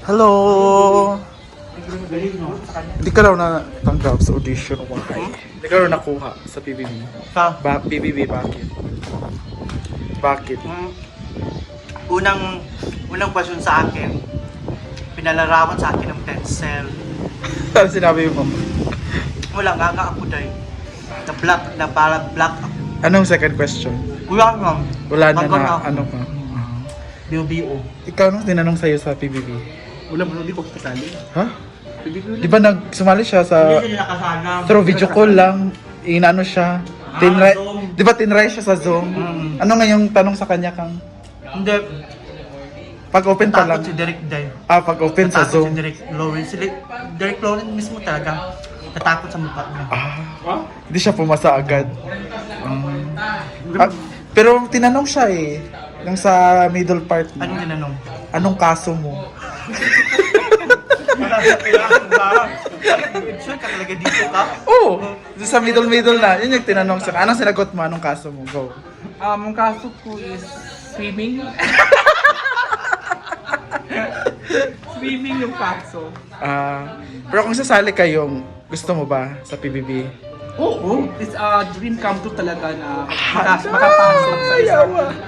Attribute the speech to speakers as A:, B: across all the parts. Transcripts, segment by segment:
A: Hello! Hindi ka raw natanggap sa audition o why? Hindi ka raw nakuha sa PBB. PBB, bakit? Bakit?
B: Unang question sa akin, pinalarawan sa akin ng pencil.
A: Ano sinabi mo?
B: Wala, gaga ako dahil. Na parang black ako.
A: Anong second question?
B: Wala nga.
A: Wala na
B: Bago
A: na,
B: ako.
A: ano ka?
B: BO.
A: Ikaw nung tinanong sa'yo sa PBB?
C: Wala mo, hindi ko kasali.
A: Ha? Di ba sumali siya sa...
B: Hindi sila nakasana.
A: Through video call lang, inano siya. Tinry,
B: Zoom.
A: di ba tinry siya sa Zoom? Ano nga yung tanong sa kanya kang
B: Hindi.
A: pag open pa lang?
B: Natakot si Derek Day.
A: Pag open sa
B: Natakot
A: Zoom.
B: si Derek Lawrence. Derek Lawrence mismo talaga. Natakot sa mukha niya.
A: Hindi siya pumasa agad. Pero tinanong siya eh. Yung sa middle part mo.
B: Anong tinanong?
A: Anong kaso mo?
B: Sure ka talaga dito ka?
A: Oo! Doon sa middle na. Yun yung tinanong siya. Anong sinagot mo? Anong kaso mo? Go.
C: Ang kaso ko is swimming. Swimming yung kaso.
A: Pero kung sasali kayong, gusto mo ba sa PBB?
C: Oo. It's a dream come true talaga na makapasok sa isang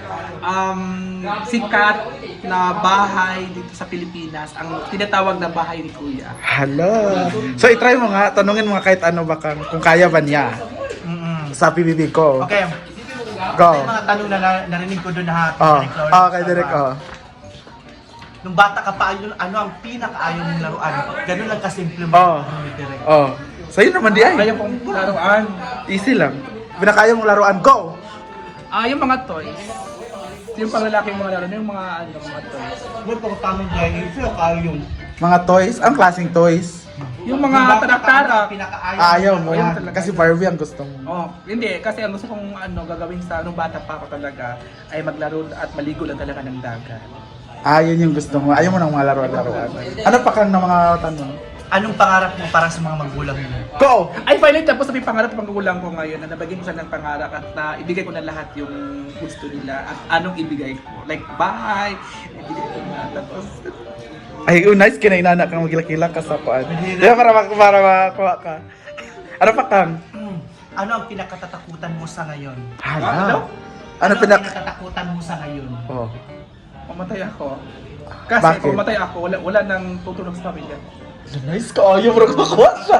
C: sikat na bahay dito sa Pilipinas. Ang tinatawag na bahay ni Kuya.
A: Hala! So itry mo nga, tanungin mo nga kahit ano ba kung kaya ba niya sa PBB ko.
B: Okay.
A: Go.
B: May mga tanong na narinig ko doon na
A: Kay Derek,
B: Nung bata ka pa, ano ang pinakaayaw mong laruan? Ganun lang kasimple mo. Ni Derek.
A: Sa'yo naman di ay.
C: Kaya pong laruan.
A: Easy lang. Pinakaya mong laruan, go!
C: Yung mga toys. Yung panglalaking mga laruan, yung mga toys.
B: May pagkatangin dahil sila kaya yung
A: Mga toys, ang klaseng toys.
C: Yung mga tarak-tarak.
B: Pinakaayaw
A: Ayaw mo.
C: Ayaw talaga.
A: Kasi Barbie ang gusto mo.
C: Hindi. Kasi ang gusto kong gagawin sa nung bata pa ako talaga ay maglaro at maligo lang talaga ng dagat.
A: Yun yung gusto mo. Ayaw mo ng mga laruan-laruan. Ano pa kang ng mga tanong?
B: Anong pangarap mo para sa mga magulang mo?
A: Go!
C: Ay, finally, tapos sabi pangarap ng magulang ko ngayon na nabagyan ko sila ng pangarap at na ibigay ko na lahat yung gusto nila at anong ibigay ko. Like, bahay, ibigay ko na. Tapos,
A: Ay, nice kinainana kang magkilakila ka sa kuan. Diba para makuha ka. Ano pa kang?
B: Ano ang pinakatatakutan mo sa ngayon?
A: Ano
B: ang
A: pinak...
B: pinakatatakutan mo sa ngayon?
C: mamatay ako. Kasi
A: Bakit?
C: kung mamatay ako, wala nang tutulong sa pamilya.
A: Nice ka. Ayaw mo rin makuha siya.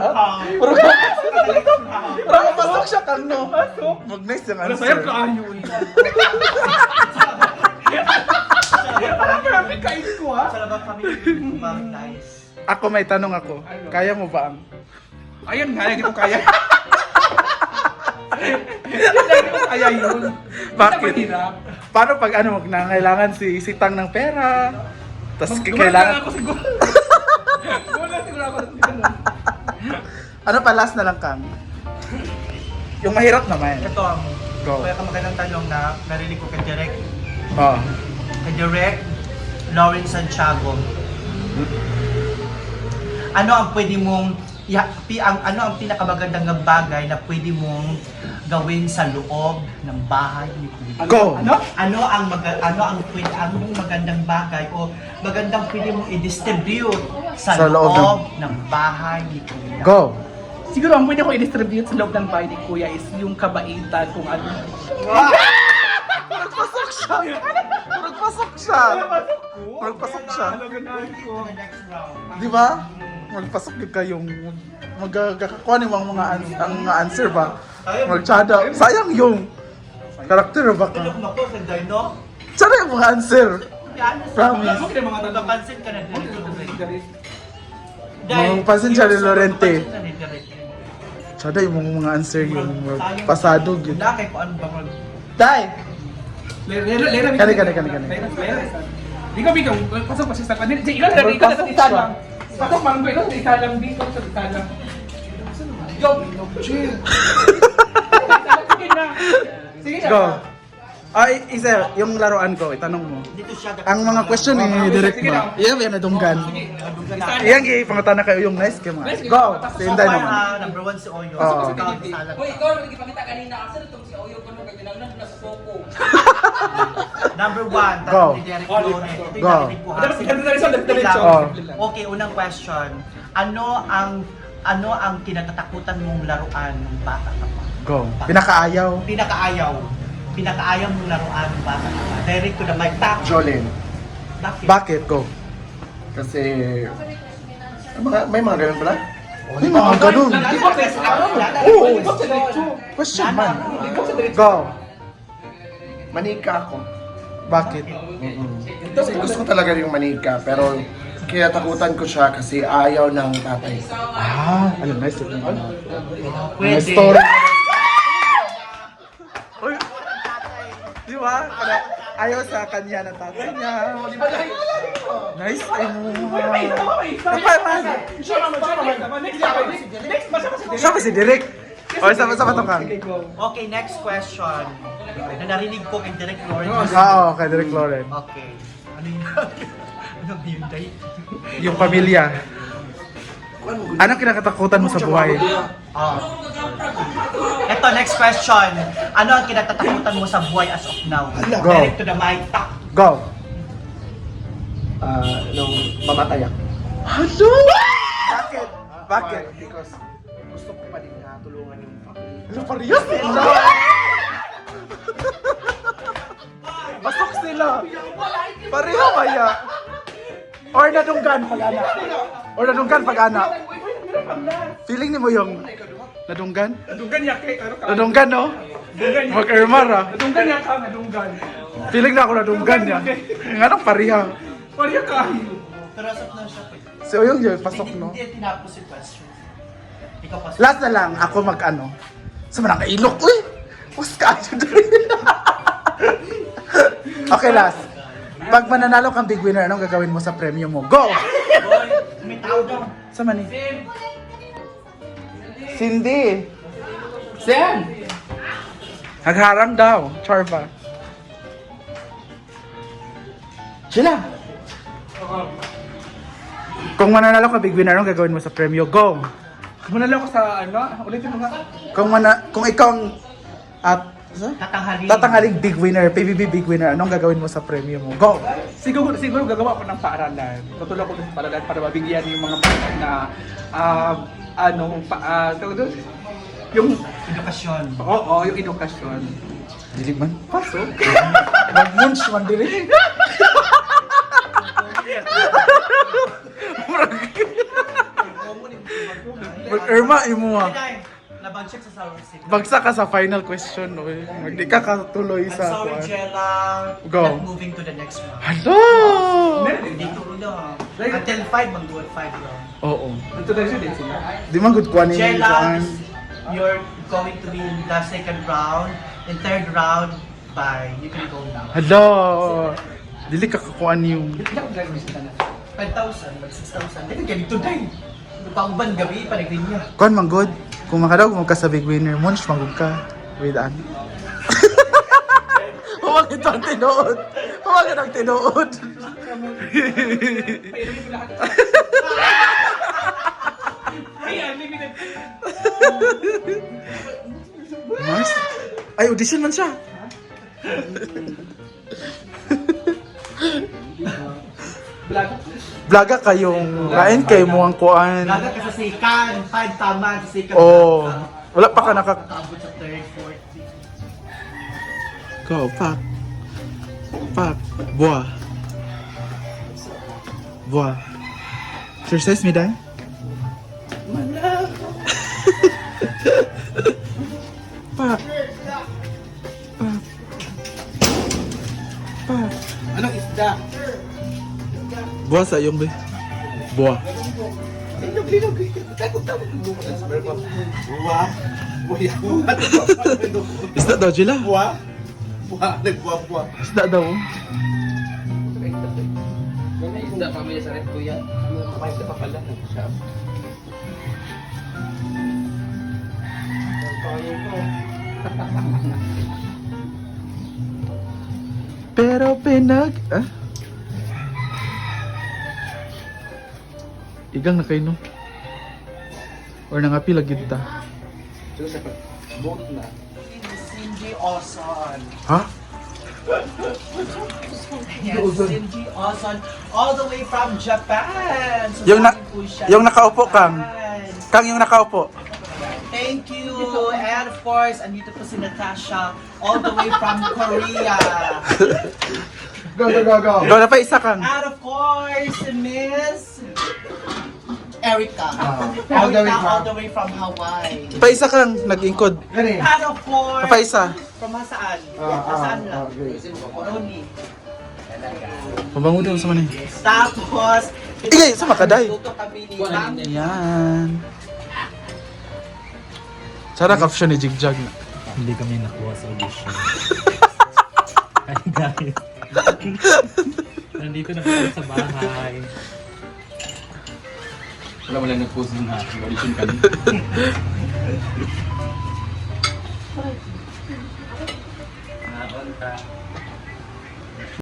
A: Parang mapasok siya kang no. Mag-nice yung
C: Ano,
A: answer.
C: sayang ka ayun. Parang kain ko ha.
B: Sa labang kami, nice.
A: Ako may tanong ako. Kaya mo ba ang...
C: Ayun nga, hindi ko kaya. Hindi ko kaya yun.
A: Bakit?
C: Mahirap.
A: Paano pag nangailangan si Tang ng pera? Tapos
C: Gumawa
A: kailangan...
C: ako siguro. Gumawa siguro ako ng ganun.
A: Ano pa last na lang kang? Yung mahirap naman.
B: Ito ang
A: Go.
B: kaya ka magandang tanong na narinig ko kay Derek.
A: Oh.
B: Kay Derek Lawrence Santiago. Ano ang pwede mong ano ang pinakamagandang bagay na pwede mong gawin sa loob ng bahay ni Kuya?
A: Go!
B: Ano ang magandang bagay o magandang pwede mong i-distribute sa
A: Sa loob
B: loob ng bahay ni Kuya?
A: Go!
C: Siguro ang pwede ko i-distribute sa loob ng bahay ni Kuya is yung kabaitan kung ano.
A: Nagpasok siya! Nagpasok siya! Nagpasok siya!
B: Next round.
A: Di ba? Magpasok din kayong magkakakuha ni ang mga answer ba? Magtsada. Sayang yung karakter ba ka?
B: Tulog mo ko sa Dino.
A: Tsada yung mga answer. Promise.
C: Okay mga tanong.
B: Napansin ka na din.
A: Mga pansin siya ni Lorente. Tsada yung mga answer yung pasado yun.
B: Wala kay kung ano ba mag...
A: Dai!
C: Kani. Di ko bigong pasok pa siya sa kanila. Ikaw na ikaw na isa lang. Pasok manggo ikaw isa lang dito sa isa lang. Go. Chill. Sige na. Sige na.
A: Go! Isa, yung laruan ko, itanong mo.
B: Dito siya.
A: Ang mga question ni Direct ba? Iya, yan nadunggan. Iyan, pangutana kayo yung nice kayo mga. Go! Sinday naman.
B: Number 1 si Oyo.
A: Oo.
B: Ikaw ang salat.
D: Hoy, ikaw nagipakita kanina kasi itong si Oyo ko nung kailangan na sa soko.
B: Number 1,
A: Go.
B: tanong ni Derek
C: Oh,
B: Lone. Ito yung
A: Go.
B: narinig ko ha.
C: Diretso.
A: Oh.
B: Okay, unang question. Ano ang kinatatakutan mong laruan ng bata ka pa?
A: Go. Pinakaayaw.
B: Pinakaayaw mong laruan ng bata ka pa. Direct to the mic. Tap.
D: Jolene.
B: Bakit?
A: Bakit? Go.
D: Kasi may mga ganun pala?
A: May mga ganun. Oo. Question man. Go.
D: Manika ako.
A: Bakit?
D: Kasi gusto ko talaga yung manika, pero kaya takutan ko siya kasi ayaw ng tatay.
A: Alam, nice.
B: Pwede.
A: Story. Uy. Di ba? Ayaw sa kanya ng tatay niya. Nice. Ay mo. Kapay man. Siya ba si Derek? O, sama-sama to ka.
B: Okay, next question. Na narinig ko kay Derek Lawrence.
A: Oo, kay Derek Lauren.
B: Okay. Ano yun? Ano yun, Day?
A: Yung pamilya. Anong kinakatakutan mo sa buhay?
B: Oh. Ito, next question. Ano ang kinatatakutan mo sa buhay as of now?
A: Go.
B: Direct to the mic. Tak.
A: Go.
D: Nung mamatay ako.
A: Hello? Bakit? Bakit?
D: Because gusto ko pa din na tulungan yung family.
A: Ano parehas sila? Pasok sila. Pareho kaya. Or nadunggan pag-ana. Or nadunggan pag-ana. Feeling ni mo yung nadunggan?
C: Nadunggan niya kay ano ka?
A: Nadunggan, no? Mag-ermar, ah.
C: Nadunggan niya ka, nadunggan.
A: Feeling na ako nadunggan niya. Nga nang pareha.
C: Pariya ka.
B: Pero asap na siya.
A: So yung yun, pasok, no?
B: Hindi tinapos yung question. Ikaw pasok.
A: Last na lang, ako mag-ano. Sa manang kailok, uy! Mas kayo doon. Okay, last. Pag mananalo kang big winner, anong gagawin mo sa premium mo? Go!
B: Boy, may tao daw.
A: Sa mani? Cindy.
C: Sen!
A: Nagharang daw. Charva. Sila. Kung mananalo ka big winner, anong gagawin mo sa premium? Go!
C: Muna lang ako sa ano, ulitin mo nga.
A: Kung ikaw ang
B: Tatanghalin.
A: tatanghaling big winner, PBB big winner, anong gagawin mo sa premium mo? Go!
C: Siguro gagawa ko ng paaralan. Tutulong ko sa paaralan para mabigyan yung mga bata na tawag doon? Yung
B: Edukasyon.
C: yung edukasyon.
A: Dilig man.
C: Pasok.
A: Mag-munch man dili. Mag-erma imo ha.
B: Nabagsak sa sour sip.
A: Bagsak ka sa final question, oy. Magdi ka katuloy
B: I'm
A: sa
B: sorry,
A: kuwan.
B: Jella.
A: Go.
B: Not moving to the next round.
A: Hello!
B: Dito lang. Until 5, mag-dual 5 lang.
A: Oo.
C: Ito na siya din sila.
A: Di man good kuan ni
B: Jella,
A: kuan.
B: you're going to be in the second round. In third round, bye. You can go now.
A: Hello! Dili ka kakuan yung...
C: Ilang gagawin sila na?
B: 5,000, mag 6,000. Teka, ganito din. Pauban gabi, panagrin niya.
A: Kuan man good. Kung makadaw kung ka sa big winner, munch magud ka. With an. Huwag ito ang tinuod. Huwag ito ang tinuod.
C: Ay, unlimited.
A: Nice. Ay, audition man siya.
C: Vlog.
A: Vloga kayong kain kay mo ang kuan.
B: Gaga ka sa sikan, 5 tama sa sikan.
A: Oh, wala pa ka
B: Abot sa third, fourth, fifth.
A: Go, fuck. Fuck. Buah. Buah. Exercise me, Dan? Fuck. Fuck. Fuck.
D: Anong isda?
A: Buah sa iyong be. Buah.
D: Buwa. Buya.
A: Isda daw, Jila.
D: Buwa. Buwa. Nagbuwa-buwa.
A: Isda daw.
C: Isda pamilya sa red kuya. Makaisa pa pala.
A: Pero pinag... Ah? Igang na kayo, no? Or nangapi lagi ta?
C: Buot na.
B: Cindy Oson.
A: Ha?
B: Yes, Cindy Ozon, all the way from Japan. So,
A: Yung na-
B: galing po siya
A: yung
B: sa
A: nakaupo, Kang.
B: Japan.
A: Kang yung nakaupo.
B: Thank you. And of course, andito po si Natasha, all the way from Korea.
D: Go, go, go, go.
A: Go na pa isa, Kang.
B: And of course, Miss Erica.
D: all the way
B: Erica,
D: from-
B: all the way from Hawaii.
A: Pa isa, Kang. Nag-ingkod.
D: Gani.
B: And of course,
A: Pa isa.
B: from saan? Saan lang? Only.
A: Pabango daw sa manay.
B: Tapos,
A: Igay, sa makaday.
B: Luto kami ni Ma'am.
A: Yan. Sana caption ni Jigjag na.
E: Hindi kami nakuha sa audition. Ay guys. Nandito na kami sa bahay. Wala mo lang nag-post ng audition kami.